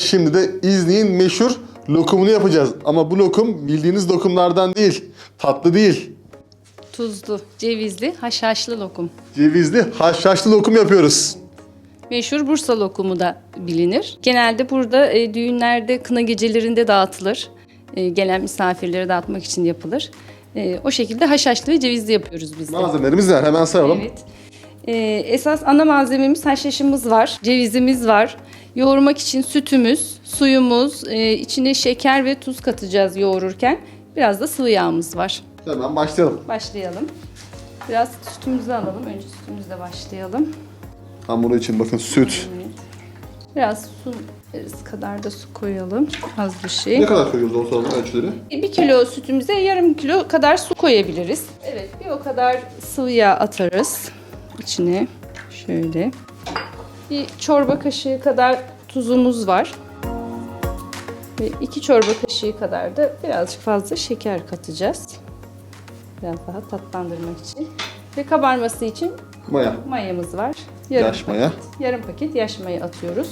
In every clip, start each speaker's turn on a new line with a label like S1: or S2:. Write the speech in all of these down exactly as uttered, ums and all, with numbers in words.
S1: şimdi de İznik'in meşhur lokumunu yapacağız. Ama bu lokum bildiğiniz lokumlardan değil. Tatlı değil.
S2: Tuzlu, cevizli, haşhaşlı lokum.
S1: Cevizli haşhaşlı lokum yapıyoruz.
S2: Meşhur Bursa lokumu da bilinir. Genelde burada e, düğünlerde, kına gecelerinde dağıtılır. E, gelen misafirlere dağıtmak için yapılır. E, o şekilde haşhaşlı ve cevizli yapıyoruz biz de.
S1: Malzemelerimiz var. Hemen sayalım.
S2: Evet. E, esas ana malzememiz haşhaşımız var, cevizimiz var. Yoğurmak için sütümüz, suyumuz, e, içine şeker ve tuz katacağız yoğururken. Biraz da sıvı yağımız var.
S1: Hemen başlayalım.
S2: Başlayalım. Biraz sütümüzü alalım. Önce sütümüzle başlayalım.
S1: Hamuru için bakın süt.
S2: Evet. Biraz su yarısı kadar da su koyalım. Az bir şey.
S1: Ne kadar koyuyoruz ortalama ölçüleri?
S2: Bir kilo sütümüze yarım kilo kadar su koyabiliriz. Evet, bir o kadar sıvı yağ atarız içine. Şöyle. Bir çorba kaşığı kadar tuzumuz var. Ve iki çorba kaşığı kadar da birazcık fazla şeker katacağız. Biraz daha tatlandırmak için. Ve kabarması için
S1: Maya.
S2: mayamız var. Yarım
S1: Yaş maya.
S2: paket, yarım paket yaş maya atıyoruz.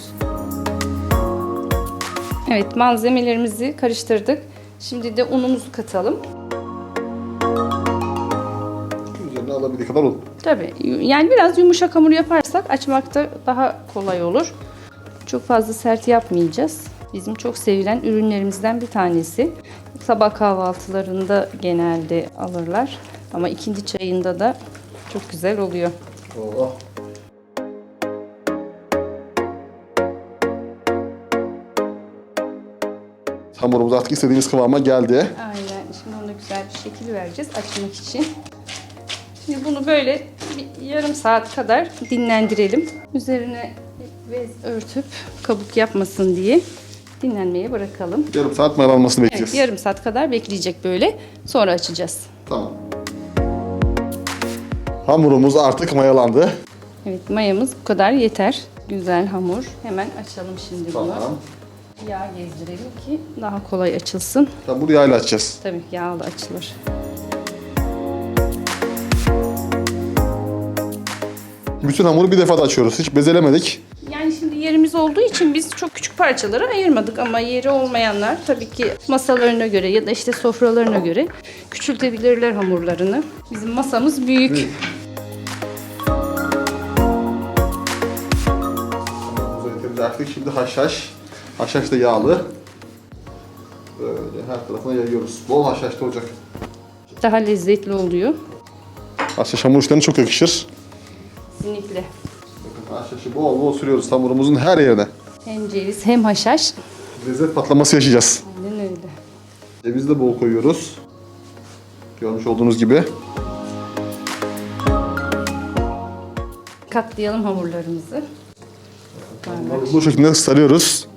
S2: Evet, malzemelerimizi karıştırdık. Şimdi de unumuzu katalım.
S1: Üzerine alabildiği kadar un.
S2: Tabii, yani biraz yumuşak hamur yaparsak açmakta daha kolay olur. Çok fazla sert yapmayacağız. Bizim çok sevilen ürünlerimizden bir tanesi. Sabah kahvaltılarında genelde alırlar. Ama ikinci çayında da çok güzel oluyor.
S1: Oh. Hamurumuz artık istediğimiz kıvama geldi.
S2: Aynen. Şimdi ona güzel bir şekil vereceğiz açmak için. Şimdi bunu böyle bir yarım saat kadar dinlendirelim. Üzerine bez örtüp kabuk yapmasın diye dinlenmeye bırakalım.
S1: Yarım saat mayalanmasını bekleyeceğiz.
S2: Evet, yarım saat kadar bekleyecek böyle. Sonra açacağız.
S1: Tamam. Hamurumuz artık mayalandı.
S2: Evet, mayamız bu kadar yeter. Güzel hamur. Hemen açalım şimdi bunu.
S1: Tamam.
S2: Yağ gezdirelim ki daha kolay açılsın.
S1: Tamam, bunu yağla açacağız.
S2: Tabii yağla açılır.
S1: Bütün hamuru bir defada açıyoruz. Hiç bezelemedik.
S2: Yani şimdi yerimiz olduğu için biz çok küçük parçalara ayırmadık ama yeri olmayanlar tabii ki masalarına göre ya da işte sofralarına göre küçültebilirler hamurlarını. Bizim masamız büyük.
S1: Büyük. Hamurumuzu artık şimdi haşhaş. Haşhaş da yağlı. Böyle her tarafına yayıyoruz. Bol haşhaşlı olacak.
S2: Daha lezzetli oluyor.
S1: Haşhaş hamur işlerine çok yakışır.
S2: Kesinlikle.
S1: Bakın haşhaşı bol bol sürüyoruz hamurumuzun her yerine.
S2: Hem ceviz hem haşhaş.
S1: Lezzet patlaması yaşayacağız.
S2: Aynen öyle.
S1: Cevizi de bol koyuyoruz. Görmüş olduğunuz gibi.
S2: Katlayalım hamurlarımızı.
S1: Bu şekilde sarıyoruz.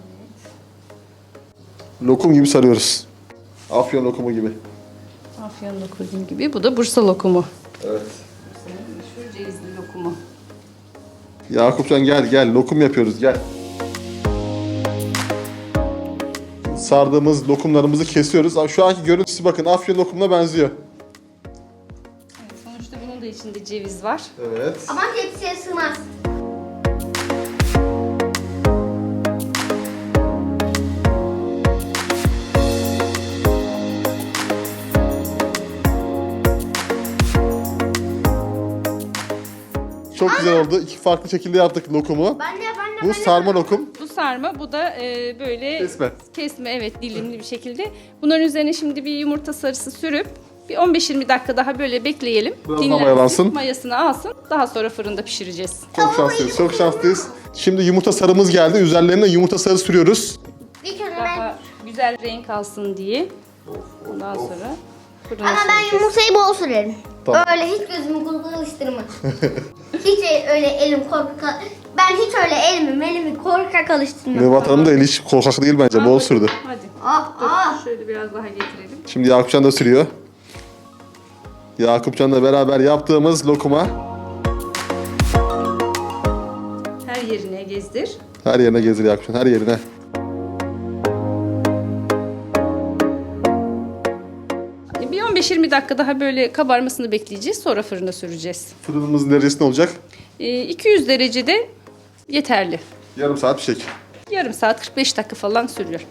S1: Lokum gibi sarıyoruz. Afyon lokumu gibi.
S2: Afyon lokumu gibi. Bu da Bursa lokumu.
S1: Evet.
S2: Bursa'nın meşhur cevizli lokumu.
S1: Yakupcan gel gel lokum yapıyoruz gel. Sardığımız lokumlarımızı kesiyoruz. Şu anki görüntüsü bakın Afyon lokumuna benziyor.
S2: Evet, sonuçta bunun da içinde ceviz var.
S1: Evet.
S3: Ama tepsiye sığmaz.
S1: Çok güzel oldu. İki farklı şekilde yaptık lokumu.
S3: Ben de ben de
S1: Bu
S3: ben de.
S1: sarma lokum.
S2: Bu sarma, bu da e, böyle
S1: Kesme.
S2: kesme, evet, dilimli bir şekilde. Bunların üzerine şimdi bir yumurta sarısı sürüp bir on beş yirmi dakika daha böyle bekleyelim.
S1: Biraz daha
S2: Dinlensin,
S1: mayalansın.
S2: mayasını alsın. Daha sonra fırında pişireceğiz.
S1: Çok şanslıyız. Çok şanslıyız. Şimdi yumurta sarımız geldi. Üzerlerine yumurta sarı sürüyoruz.
S3: Bir kere ben.
S2: Daha güzel renk alsın diye. Ondan sonra fırına
S3: Ama ben
S2: süreceğiz.
S3: yumurtayı bol sürerim.
S1: Tamam.
S3: Öyle hiç gözümü korkak alıştırma. hiç öyle elim korkak. Ben hiç öyle elimi elimi korkak alıştırmam.
S1: Nevat Hanım da eli hiç korkak değil bence. Bol sürdü.
S2: Hadi.
S3: Ah ah.
S2: Şöyle biraz daha getirelim.
S1: Şimdi Yakupcan da sürüyor. Yakupcan'la beraber yaptığımız lokuma
S2: Her yerine gezdir.
S1: her yerine gezdir Yakupcan. Her yerine.
S2: Bir on beş yirmi dakika daha böyle kabarmasını bekleyeceğiz. Sonra fırına süreceğiz.
S1: Fırınımızın derecesi ne olacak?
S2: Ee, iki yüz derecede yeterli.
S1: Yarım saat pişecek.
S2: Yarım saat kırk beş dakika falan sürüyor.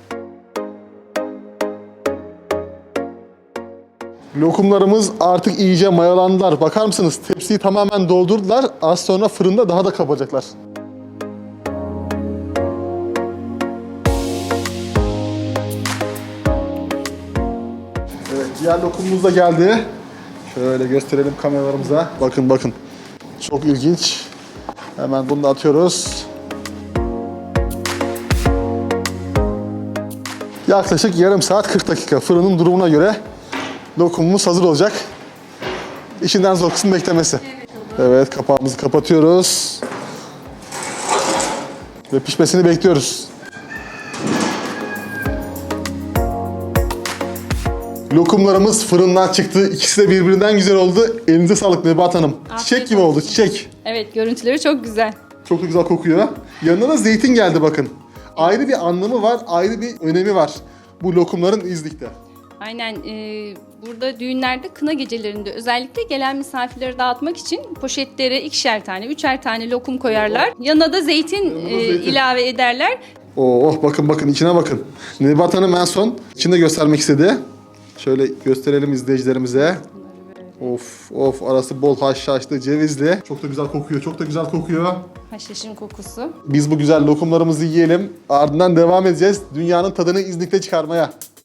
S1: Lokumlarımız artık iyice mayalandılar. Bakar mısınız? Tepsiyi tamamen doldurdular. Az sonra fırında daha da kabaracaklar. Evet, diğer lokumumuz da geldi. Şöyle gösterelim kameralarımıza. Bakın bakın. Çok ilginç. Hemen bunu da atıyoruz. Yaklaşık yarım saat kırk dakika. Fırının durumuna göre lokumumuz hazır olacak. İşinden zor kısım beklemesi. Evet, kapağımızı kapatıyoruz. Ve pişmesini bekliyoruz. Lokumlarımız fırından çıktı. İkisi de birbirinden güzel oldu. Elinize sağlık Nebahat Hanım. Çiçek gibi oldu, çiçek.
S2: Evet, görüntüleri çok güzel.
S1: Çok da güzel kokuyor. Yanına da zeytin geldi bakın. Ayrı bir anlamı var, ayrı bir önemi var bu lokumların İznik'te.
S2: Aynen, e, burada düğünlerde, kına gecelerinde özellikle gelen misafirleri dağıtmak için poşetlere ikişer tane, üçer tane lokum koyarlar. Yanına da zeytin,
S1: Yanına da
S2: e,
S1: zeytin.
S2: ilave ederler.
S1: Oh bakın bakın içine bakın. Nebahat Hanım en son içinde göstermek istedi. Şöyle gösterelim izleyicilerimize. Of of, arası bol haşhaşlı, cevizli. Çok da güzel kokuyor, çok da güzel kokuyor.
S2: Haşhaşın kokusu.
S1: Biz bu güzel lokumlarımızı yiyelim. Ardından devam edeceğiz. Dünyanın tadını İznik'te çıkarmaya.